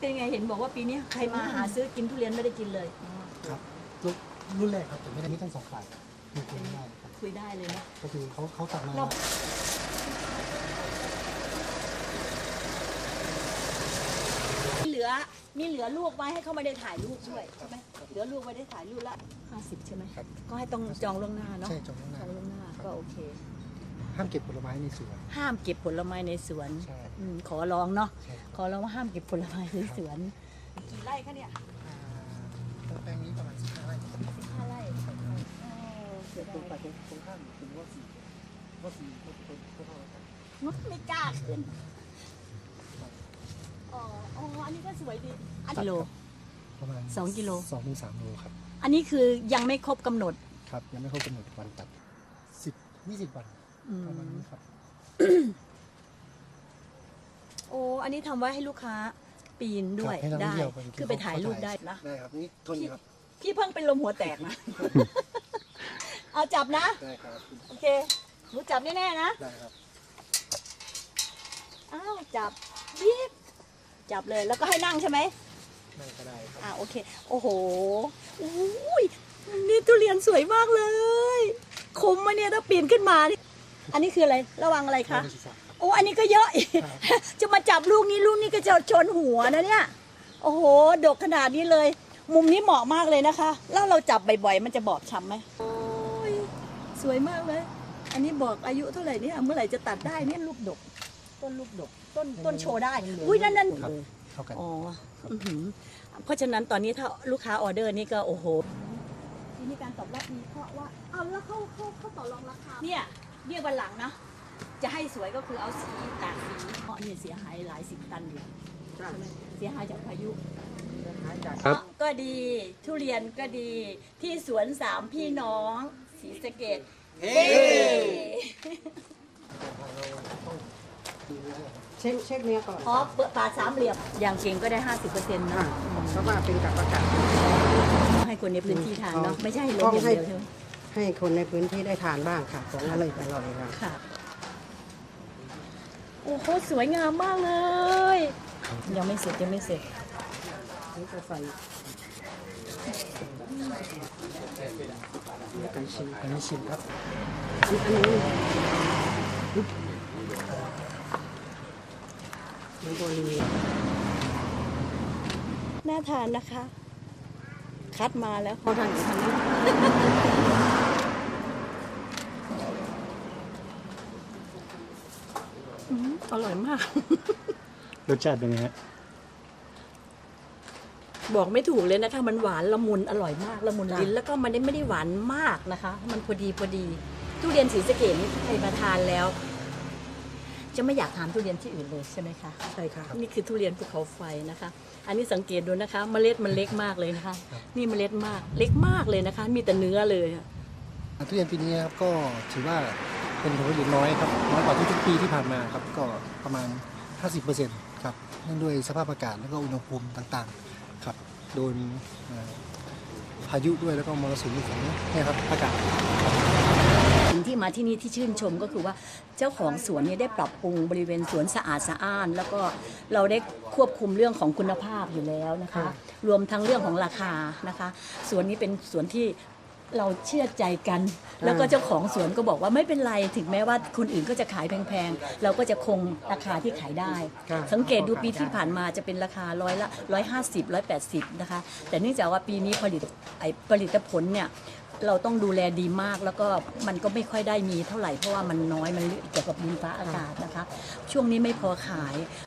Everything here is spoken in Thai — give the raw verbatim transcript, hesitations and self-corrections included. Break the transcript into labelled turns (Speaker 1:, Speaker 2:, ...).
Speaker 1: เป็นไงเห็นบอกว่าปีนี้ใครมาหาซื้อกินทุเรียนไม่ได้กินเลย
Speaker 2: ครับรุ่นแรกครับแต่ไม่ได้มีทั้งสองฝ่ายคุยคุยได้ครับ
Speaker 1: คุยได้เลยนะ
Speaker 2: ก็คือเขาเขาตัดมา
Speaker 1: มีเหลือมีเหลือลูกไว้ให้เขาไม่ได้ถ่ายรูปด้วยใช่ไหมเหลือลูกไว้ได้ถ่ายรูปละห้าสิบใช่ไหมครับก็ให้ต้องจองล่วงหน้าเนาะ
Speaker 2: ใช่จองล่วงหน้า
Speaker 1: จองล่วงหน้าก็โอเค
Speaker 2: ห้ามเก็บผลไม้ในสวน
Speaker 1: ห้ามเก็บผลไม้ในสวนขอร้องเนาะขอร้องว่าห้ามเก็บผลไม้ในสวนกี่ไร่คะเนี่ย
Speaker 2: แปลงนี้ประมาณสิบห้าไร่
Speaker 1: สิบห้าไร่
Speaker 2: เกิดตรงไปตรงตรงข้ามถึงว่าสี่ว่าสี่ก็ก็เท่ากัน
Speaker 1: ไม่กล้าขึ้นอ๋ออ๋ออันนี้ก็สวยดีอันกิโล
Speaker 2: ประมาณ
Speaker 1: สองกิโล
Speaker 2: สองถึงสามโลครับ
Speaker 1: อันนี้คือยังไม่ครบกำหนด
Speaker 2: ครับยังไม่ครบกำหนดวันตัดสิบยี่สิบวันประมาณนี้ครับ
Speaker 1: โอ้อันนี้ทำไว้ให้ลูกค้าปีนด้วยได้คือไปถ่ายรูปได้นะ
Speaker 2: ได้ครับนี่ทนครับ
Speaker 1: พี่เพิ่งเป็นลมหัวแตกนะเอาจับนะ
Speaker 2: ได้ครับ
Speaker 1: โอเคหนูจับแน่ๆนะ
Speaker 2: ได้ครับ
Speaker 1: อ้าวจับบีบจับเลยแล้วก็ให้นั่งใช่ไหม
Speaker 2: นั่งก็ได้ครับ
Speaker 1: อ่าโอเคโอ้โหอุ้ยนี่ทุเรียนสวยมากเลยคมมาเนี่ยถ้าปีนขึ้นมาอันนี้คืออะไรระวังอะไรคะโอ้อันนี้ก็เยอะจะมาจับลูกนี้ลูกนี้ก็จะชนหัวนะเนี่ยโอ้โหดกขนาดนี้เลยมุมนี้เหมาะมากเลยนะคะแล้วเราจับบ่อยๆมันจะบอบช้ำไหมโอ้ยสวยมากเลยอันนี้บอกอายุเท่าไหร่เนี่ยเมื่อไหร่จะตัดได้เนี่ยลูกดกต้นลูกดกต้นต้นโชว์ได้อุ้ยนั่นนั่นอ๋อเพราะฉะนั้นตอนนี้ถ้าลูกค้าออเดอร์นี่ก็โอ้โหทีนี้การตอบรับดีเพราะว่าเอาแล้วเขาเขาเขาต่อรองราคาเนี่ยเรียกวันหลังนะจะให้สวยก็คือเอาสีตากสีเพราะเนี่ยเสียหายหลายสิบตันอยู่ใช่ไหมเสียหายจากพายุครับก็ดีทุเรียนก็ดีที่สวนสามพี่น้องศรีสะเกษเฮ้
Speaker 3: เช็คเช็คเนื้อก่อน
Speaker 1: อ๋อเปิดปาดสามเหลี่ยมอย่างเก่งก็ได้ห้าสิบเปอร์เซ็นต์นะ
Speaker 3: เพราะว่าเป็นกับประกาศ
Speaker 1: ให้คนในพื้นที่ทานเนาะไม่ใช่เลยอย่างเดียวใช่ไหม
Speaker 3: ให้คนในพื้นที่ได้ทานบ้างค่ะของอร่อยอร่อย
Speaker 1: ค่ะโอ้โหสวยงามมากเลย ยังไม่เสร็จยังไม่เสร็จ
Speaker 3: นี่จะใส่กันชิม
Speaker 2: กันชิมครับ
Speaker 3: อันนี้มันโบลี
Speaker 1: น่าทานนะคะ คัดมาแล้วพอทานทานอร่อยมาก
Speaker 2: รสชาติเป็นไงฮะ
Speaker 1: บอกไม่ถูกเลยนะคะมันหวานละมุนอร่อยมากละมุนลิ้นแล้วก็มันไม่ได้หวานมากนะคะมันพอดีพอดีทุเรียนศรีสะเกษนี่ใครมาทานแล้วจะไม่อยากทานทุเรียนที่อื่นเลยใช่ไหมคะ
Speaker 3: ใช่ค่ะ
Speaker 1: นี่คือทุเรียนภูเขาไฟนะคะอันนี้สังเกตดูนะคะเมล็ดมันเล็กมากเลยนะคะนี่เมล็ดมากเล็กมากเลยนะคะมีแต่เนื้อเลย
Speaker 2: ทุเรียนปีนี้ครับก็ถือว่าเป็นผลผลิตน้อยครับน้อยกว่าทุกๆปีที่ผ่านมาครับก็ประมาณ ห้าสิบเปอร์เซ็นต์ ครับเนื่องด้วยสภาพอากาศแล้วก็อุณหภูมิต่างๆครับโดนพายุด้วยแล้วก็มรสุมของนี่ครับอากาศ
Speaker 1: สิ่งที่มาที่นี่ที่ชื่นชมก็คือว่าเจ้าของสวนนี้ได้ปรับปรุงบริเวณสวนสะอาดสะอ้านแล้วก็เราได้ควบคุมเรื่องของคุณภาพอยู่แล้วนะคะรวมทั้งเรื่องของราคานะคะสวนนี้เป็นสวนที่เราเชื่อใจกันแล้วก็เจ้าของสวนก็บอกว่าไม่เป็นไรถึงแม้ว่าคนอื่นก็จะขายแพงๆเราก็จะคงราคาที่ขายได้สังเกตดูปีที่ผ่านมาจะเป็นราคาร้อยละร้อยห้าสิบร้อยแปดสิบนะคะแต่เนื่องจากว่าปีนี้ผลิตไอผลิตผลเนี่ยเราต้องดูแลดีมากแล้วก็มันก็ไม่ค่อยได้มีเท่าไหร่เพราะว่ามันน้อยมันเกี่ยวกับดินฟ้าอากาศนะคะช่วงนี้ไม่พอขาย